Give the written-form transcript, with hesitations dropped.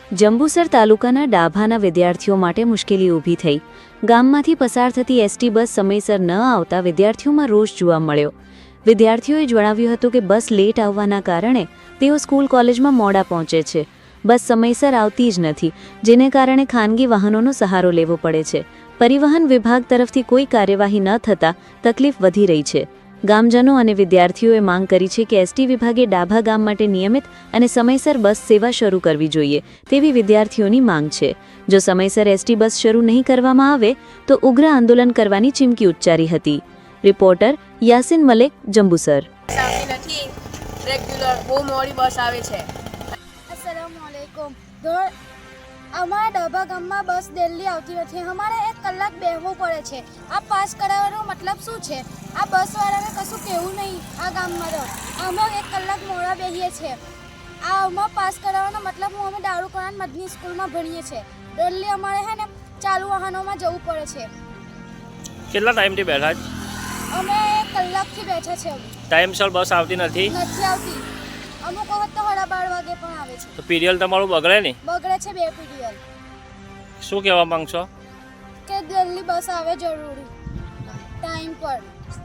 જંબુસર તાલુકાના ડાભાના વિદ્યાર્થીઓ માટે મુશ્કેલી ઊભી થઈ. ગામમાંથી પસાર થતી એસટી બસ સમયસર ન આવતા વિદ્યાર્થીઓમાં રોષ જોવા મળ્યો. વિદ્યાર્થીઓએ જણાવ્યું હતું કે બસ લેટ આવવાના કારણે તેઓ સ્કૂલ કોલેજમાં મોડા પહોંચે છે. બસ સમયસર આવતી જ નથી, જેને કારણે ખાનગી વાહનોનો સહારો લેવો પડે છે. પરિવહન વિભાગ તરફથી કોઈ કાર્યવાહી ન થતાં તકલીફ વધી રહી છે. ગામજનો અને વિદ્યાર્થીઓએ માંગ કરી છે કે એસટી વિભાગે ડાભા ગામ માટે નિયમિત અને સમયસર બસ સેવા શરૂ કરવી જોઈએ તેવી વિદ્યાર્થીઓની માંગ છે. જો સમયસર એસટી બસ શરૂ નહીં કરવામાં આવે તો ઉગ્ર આંદોલન કરવાની ચીમકી ઉચ્ચારી હતી. રિપોર્ટર યાસીન મલેક, જંબુસર. રેગ્યુલર બહુ મોડી બસ આવે છે. अस्सलामुअलैकुम. અમારા ડાભા ગામમાં બસ દિલ્હી આવતી નથી. અમારે 1 કલાક બેસવું પડે છે. આ પાસ કરાવવાનો મતલબ શું છે? આ બસવાળાને કશું કહેવું નહીં. આ ગામમાં તો અમે 1 કલાક મોડા બેસીએ છીએ. આ અમારે પાસ કરાવવાનો મતલબ અમે દારૂકાન મદની સ્કૂલમાં ભણીએ છીએ. દિલ્હી અમારે છે ને ચાલુ વાહનોમાં જવું પડે છે. કેટલા ટાઈમથી બેઠા જ? અમે 1 કલાકથી બેઠા છે. ટાઈમસર બસ આવતી નથી આવતી. અમુક વખત તો 12:30 વાગે પણ આવે છે. તો પીરિયલ તમારું બગડે ને? બગડે છે 2 પીરિયડ. શું કહેવા માંગશો? કે દિલ્હી બસ આવે જરૂરી ટાઈમ પર.